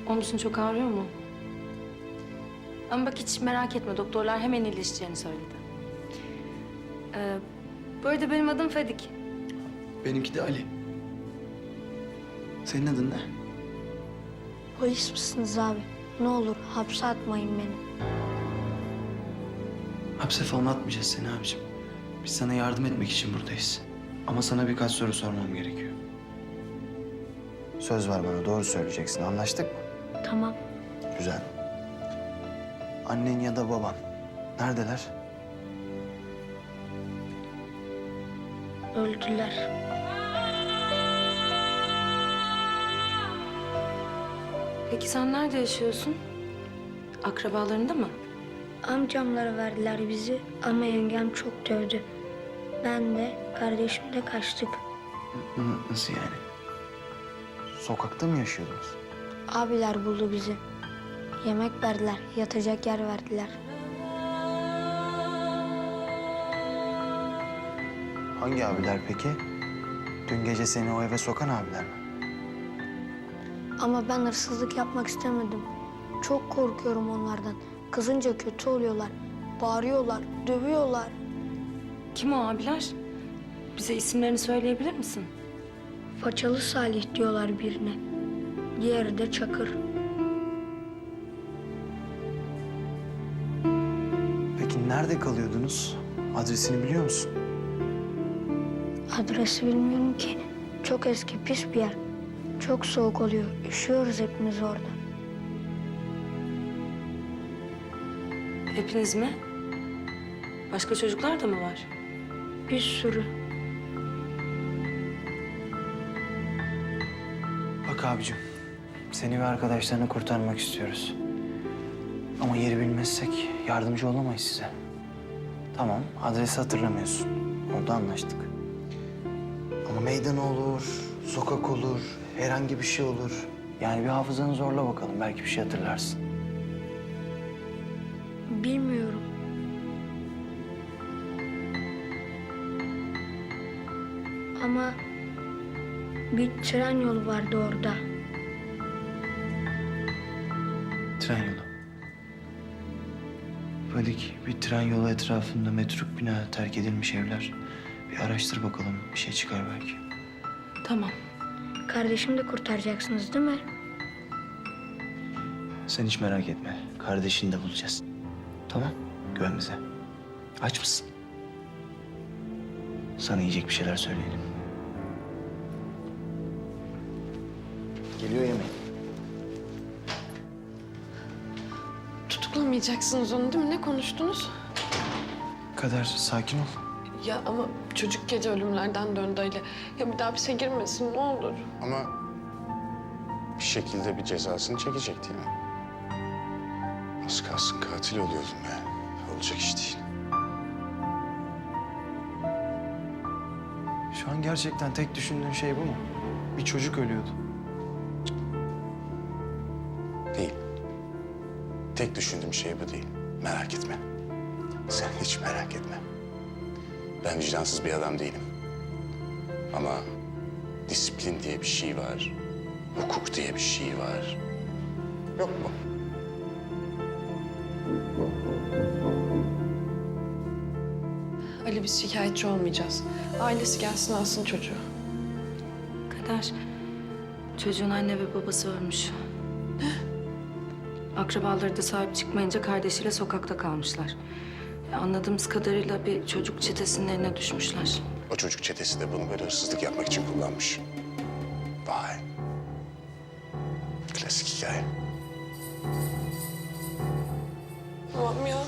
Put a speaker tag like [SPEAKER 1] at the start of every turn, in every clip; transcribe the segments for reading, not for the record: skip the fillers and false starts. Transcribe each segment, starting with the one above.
[SPEAKER 1] Omzun çok ağrıyor mu? Ama bak hiç merak etme. Doktorlar hemen iyileşeceğini söyledi. Bu arada benim adım Fadik.
[SPEAKER 2] Benimki de Ali. Senin adın ne?
[SPEAKER 3] Polis misiniz abi? Ne olur hapse atmayın beni.
[SPEAKER 2] Hapse falan atmayacağız seni abicim. Biz sana yardım etmek için buradayız. Ama sana birkaç soru sormam gerekiyor. Söz ver bana, doğru söyleyeceksin. Anlaştık mı?
[SPEAKER 3] Tamam.
[SPEAKER 2] Güzel. Annen ya da baban neredeler?
[SPEAKER 3] Öldüler.
[SPEAKER 1] Peki sen nerede yaşıyorsun? Akrabalarında mı?
[SPEAKER 3] Amcamlara verdiler bizi ama yengem çok dövdü. Ben de kardeşim de kaçtık.
[SPEAKER 2] Nasıl yani? Sokakta mı yaşıyordunuz?
[SPEAKER 3] Abiler buldu bizi. Yemek verdiler, yatacak yer verdiler.
[SPEAKER 2] Hangi abiler peki? Dün gece seni o eve sokan abiler mi?
[SPEAKER 3] Ama ben hırsızlık yapmak istemedim. Çok korkuyorum onlardan. Kızınca kötü oluyorlar. Bağırıyorlar, dövüyorlar.
[SPEAKER 1] Kim o abiler? Bize isimlerini söyleyebilir misin?
[SPEAKER 3] Façalı Salih diyorlar birine. Diğeri de Çakır.
[SPEAKER 2] Peki nerede kalıyordunuz? Adresini biliyor musun?
[SPEAKER 3] Adresi bilmiyorum ki. Çok eski, pis bir yer. Çok soğuk oluyor. Üşüyoruz hepimiz orada.
[SPEAKER 1] Hepiniz mi? Başka çocuklar da mı var?
[SPEAKER 3] Bir sürü.
[SPEAKER 2] Bak abicim, seni ve arkadaşlarını kurtarmak istiyoruz. Ama yeri bilmezsek yardımcı olamayız size. Tamam, adresi hatırlamıyorsun. Orada anlaştık. Ama meydan olur, sokak olur, herhangi bir şey olur. Yani bir hafızanı zorla bakalım, belki bir şey hatırlarsın.
[SPEAKER 3] Bilmiyorum. Ama bir tren yolu vardı orada.
[SPEAKER 2] Tren yolu. Fadik, bir tren yolu etrafında metruk bina, terk edilmiş evler. Bir araştır bakalım, bir şey çıkar belki.
[SPEAKER 1] Tamam.
[SPEAKER 3] Kardeşimi de kurtaracaksınız değil mi?
[SPEAKER 2] Sen hiç merak etme, kardeşini de bulacağız. Tamam, güven bize. Aç mısın? Sana yiyecek bir şeyler söyleyelim. Geliyor yemeğin.
[SPEAKER 4] Tutuklamayacaksınız onu değil mi? Ne konuştunuz?
[SPEAKER 2] Kader, sakin ol.
[SPEAKER 4] Ya ama çocuk gece ölümlerden döndü Ali. Ya bir daha hapse girmesin ne olur.
[SPEAKER 5] Ama bir şekilde bir cezasını çekecek değil mi? Az kalsın katil oluyordum yani. Olacak iş değil.
[SPEAKER 2] Şu an gerçekten tek düşündüğün şey bu mu? Bir çocuk ölüyordu.
[SPEAKER 5] Değil. Tek düşündüğüm şey bu değil. Merak etme. Sen hiç merak etme. Ben vicdansız bir adam değilim. Ama disiplin diye bir şey var. Hukuk diye bir şey var. Yok mu?
[SPEAKER 4] Ali biz şikayetçi olmayacağız. Ailesi gelsin alsın çocuğu.
[SPEAKER 1] Kader, çocuğun anne ve babası ölmüş. Akrabaları da sahip çıkmayınca kardeşiyle sokakta kalmışlar. Anladığımız kadarıyla bir çocuk çetesinin eline düşmüşler.
[SPEAKER 5] O çocuk çetesi de bunu böyle hırsızlık yapmak için kullanmış. Vay. Klasik hikaye.
[SPEAKER 4] Tamam ya.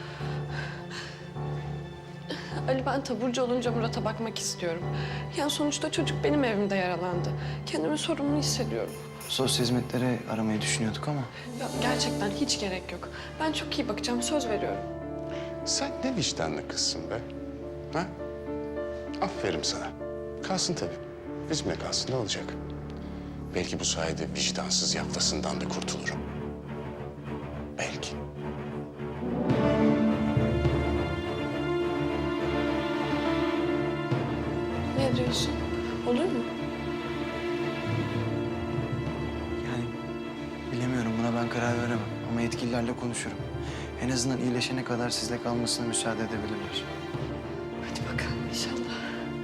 [SPEAKER 4] Ali ben taburcu olunca Murat'a bakmak istiyorum. Yani sonuçta çocuk benim evimde yaralandı. Kendimi sorumlu hissediyorum.
[SPEAKER 2] Sosyal hizmetlere aramayı düşünüyorduk ama...
[SPEAKER 4] Ya gerçekten hiç gerek yok. Ben çok iyi bakacağım söz veriyorum.
[SPEAKER 5] Sen ne vicdanlı kızsın be. Ha? Aferin sana. Kalsın tabii. Bizimle kalsın ne olacak? Belki bu sayede vicdansız yaftasından da kurtulurum. Belki.
[SPEAKER 4] Ne diyorsun? Olur mu?
[SPEAKER 2] Yani Bilemiyorum, buna ben karar veremem. Ama yetkililerle konuşurum. En azından iyileşene kadar sizle kalmasına müsaade edebilirler.
[SPEAKER 4] Hadi bakalım inşallah.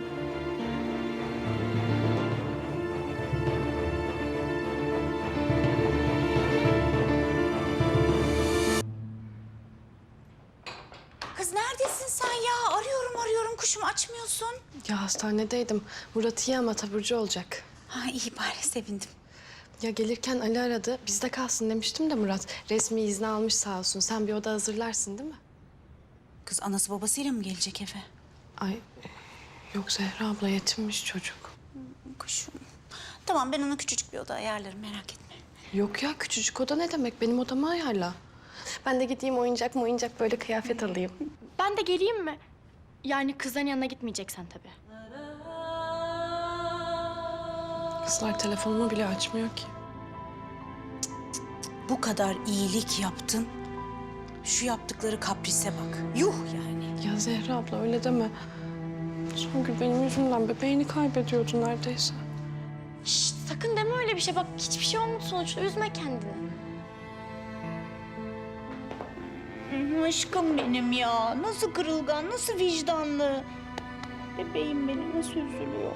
[SPEAKER 6] Kız neredesin sen ya? Arıyorum kuşum açmıyorsun.
[SPEAKER 4] Ya hastanedeydim. Murat iyi ama taburcu olacak.
[SPEAKER 6] Ha iyi bari sevindim.
[SPEAKER 4] Ya gelirken Ali aradı. Bizde kalsın demiştim de Murat. Resmi izni almış sağ olsun. Sen bir oda hazırlarsın değil mi?
[SPEAKER 6] Kız anası babasıyla mı gelecek eve?
[SPEAKER 4] Ay yok Zehra abla yetinmiş çocuk.
[SPEAKER 6] Kuşum. Tamam ben ona küçücük bir oda ayarlarım merak etme.
[SPEAKER 4] Yok ya küçücük oda ne demek? Benim odamı ayarla. Ben de gideyim oyuncak böyle kıyafet alayım.
[SPEAKER 7] Ben de geleyim mi? Yani kızların yanına gitmeyeceksen tabii.
[SPEAKER 4] Kızlar telefonumu bile açmıyor ki.
[SPEAKER 6] Bu kadar iyilik yaptın. Şu yaptıkları kaprise bak. Yuh yani.
[SPEAKER 4] Ya Zehra abla öyle deme. Songül benim yüzümden bebeğini kaybediyordu neredeyse.
[SPEAKER 7] Şşt, sakın deme öyle bir şey. Bak hiçbir şey olmadı sonuçta. Üzme kendini.
[SPEAKER 6] Aşkım benim ya. Nasıl kırılgan, nasıl vicdanlı. Bebeğim benim nasıl üzülüyor.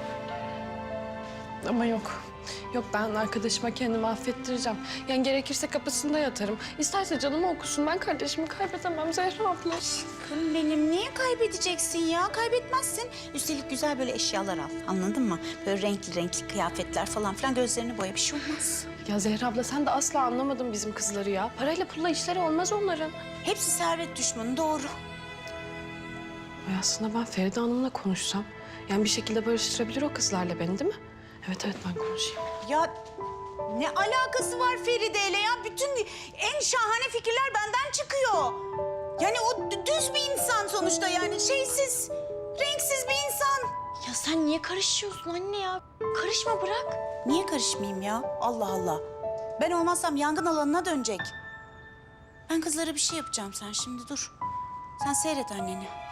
[SPEAKER 4] Ama yok. Yok ben arkadaşıma kendimi affettireceğim. Yani gerekirse kapısında yatarım. İsterse canımı okusun. Ben kardeşimi kaybedemem Zehra abla.
[SPEAKER 6] Aşkım benim niye kaybedeceksin ya? Kaybetmezsin. Üstelik güzel böyle eşyalar al. Anladın mı? Böyle renkli kıyafetler falan filan gözlerini boya bir şey olmaz.
[SPEAKER 4] Ya Zehra abla sen de asla anlamadın bizim kızları ya. Parayla pulla işleri olmaz onların.
[SPEAKER 6] Hepsi servet düşmanı doğru.
[SPEAKER 4] Ay aslında ben Feride Hanım'la konuşsam... yani bir şekilde barıştırabilir o kızlarla beni değil mi? Evet ben konuşayım.
[SPEAKER 6] Ya ne alakası var Feride'yle ya? Bütün en şahane fikirler benden çıkıyor. Yani o düz bir insan sonuçta yani şeysiz, renksiz bir insan.
[SPEAKER 7] Ya sen niye karışıyorsun anne ya? Karışma bırak.
[SPEAKER 6] Niye karışmayayım ya? Allah Allah. Ben olmazsam yangın alanına dönecek. Ben kızlara bir şey yapacağım sen şimdi dur. Sen seyret anneni.